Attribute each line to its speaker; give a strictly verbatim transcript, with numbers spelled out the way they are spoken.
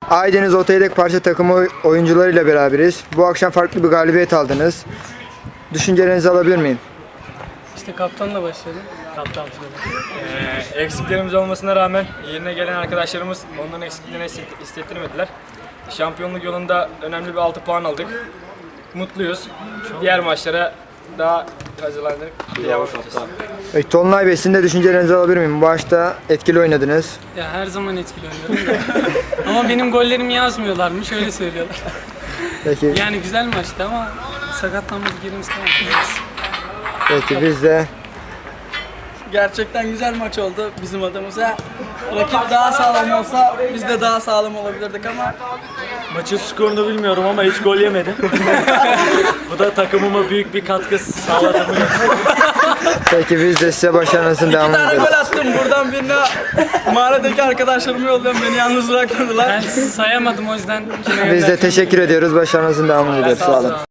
Speaker 1: Aydeniz Otoyedek Parça takımı oyuncularıyla beraberiz. Bu akşam farklı bir galibiyet aldınız. Düşüncelerinizi alabilir miyim?
Speaker 2: İşte kaptanla başladı. Kaptan söyledi.
Speaker 3: Ee, eksiklerimiz olmasına rağmen yerine gelen arkadaşlarımız onların eksikliğini hissettirmediler. Şampiyonluk yolunda önemli bir altı puan aldık. Mutluyuz. Diğer maçlara daha hazırlandık. Devam edeceğiz.
Speaker 1: Evet, Tolunay Bey, sizin de düşüncelerinizi alabilir miyim? Bu maçta etkili oynadınız.
Speaker 2: Ya her zaman etkili oynuyorum da. Ama benim gollerimi yazmıyorlarmış, öyle söylüyorlar.
Speaker 1: Peki,
Speaker 2: Yani güzel maçtı ama sakatlanmadık yerimiz kalmadı.
Speaker 1: peki biz de
Speaker 4: Gerçekten güzel maç oldu bizim adımıza. Rakip daha sağlam olsa biz de daha sağlam olabilirdik ama
Speaker 5: Maçın skorunu bilmiyorum ama hiç gol yemedim. Bu da takımıma büyük bir katkı sağladı.
Speaker 1: peki biz de size başarınızın
Speaker 4: iki
Speaker 1: devamını
Speaker 4: tane
Speaker 1: diliyoruz.
Speaker 4: gol attım. Buradan birine mahalledeki arkadaşlarımı yolluyorum. Beni yalnız bırakmadılar.
Speaker 2: Ben sayamadım o yüzden.
Speaker 1: Biz de teşekkür ediyoruz. Başarınızın devamını diliyoruz. Sağ olun.